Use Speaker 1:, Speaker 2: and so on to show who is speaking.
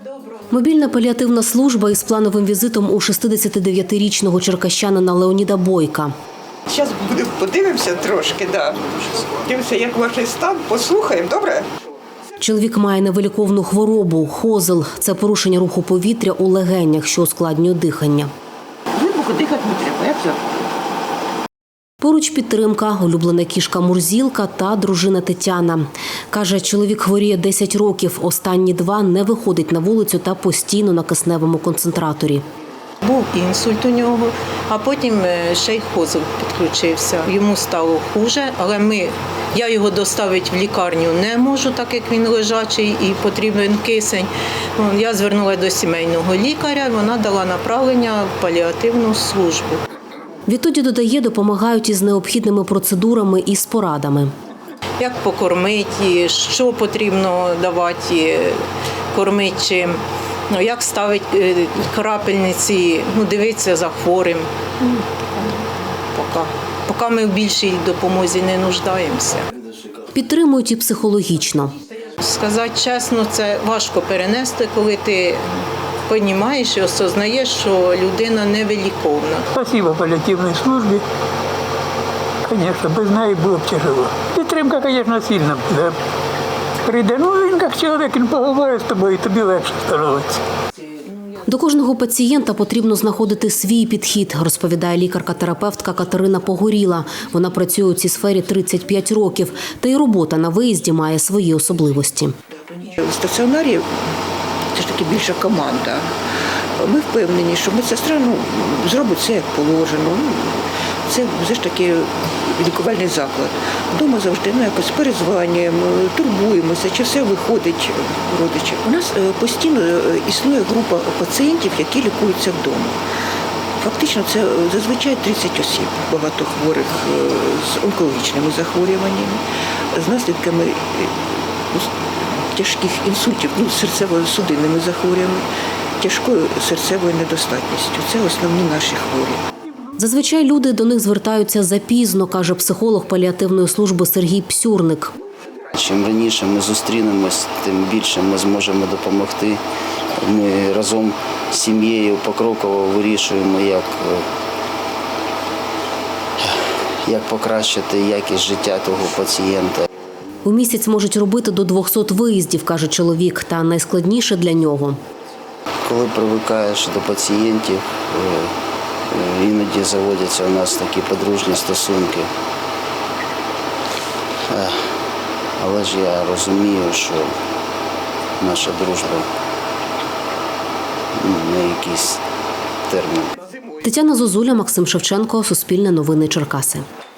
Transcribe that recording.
Speaker 1: Мобільна паліативна служба із плановим візитом у 69-річного черкащанина Леоніда Бойка.
Speaker 2: Зараз подивимося трошки, да. Дивимося, як ваш стан, послухаємо, добре?
Speaker 1: Чоловік має невиліковну хворобу – хозел. Це порушення руху повітря у легенях, що ускладнює дихання.
Speaker 2: Глибоко дихати не треба, як це?
Speaker 1: Поруч підтримка, улюблена кішка Мурзілка та дружина Тетяна. Каже, чоловік хворіє 10 років, останні 2 не виходить на вулицю та постійно на кисневому концентраторі.
Speaker 3: Був інсульт у нього, а потім ще й хозел підключився. Йому стало хуже, але я його доставити в лікарню не можу, так як він лежачий і потрібен кисень. Я звернулася до сімейного лікаря, вона дала направлення в паліативну службу.
Speaker 1: Відтоді, додає, допомагають із необхідними процедурами і з порадами.
Speaker 3: Як покормити, що потрібно давати, кормити чим. Як ставити крапельниці, дивитися за хворим. Поки ми в більшій допомозі не нуждаємося.
Speaker 1: Підтримують і психологічно.
Speaker 3: Сказати чесно, це важко перенести, коли ти розумієш і осознаєш, що людина невиліковна.
Speaker 4: Спасибо паліативній службі. Звісно, без неї було б тяжело. Підтримка, звісно, сильна буде. Прийде, він як чоловік, він поговорить з тобою, і тобі легше становиться.
Speaker 1: До кожного пацієнта потрібно знаходити свій підхід, розповідає лікарка-терапевтка Катерина Погоріла. Вона працює у цій сфері 35 років, та й робота на виїзді має свої особливості.
Speaker 2: В стаціонарі це ж таки більша команда. Ми впевнені, що медсестра зробить все як положено. Це все ж таки лікувальний заклад. Вдома завжди якось перезванюємо, турбуємося, чи все виходить родичів. У нас постійно існує група пацієнтів, які лікуються вдома. Фактично це зазвичай 30 осіб, багато хворих з онкологічними захворюваннями, з наслідками тяжких інсультів, серцево-судинними захворюваннями, тяжкою серцевою недостатністю. Це основні наші хворі.
Speaker 1: Зазвичай люди до них звертаються запізно, каже психолог паліативної служби Сергій Псюрник.
Speaker 5: Чим раніше ми зустрінемось, тим більше ми зможемо допомогти. Ми разом з сім'єю покроково вирішуємо, як покращити якість життя того пацієнта.
Speaker 1: У місяць можуть робити до 200 виїздів, каже чоловік, та найскладніше для нього.
Speaker 5: Коли привикаєш до пацієнтів, іноді заводяться у нас такі подружні стосунки. Але ж я розумію, що наша дружба на якийсь термін.
Speaker 1: Тетяна Зозуля, Максим Шевченко, Суспільне новини Черкаси.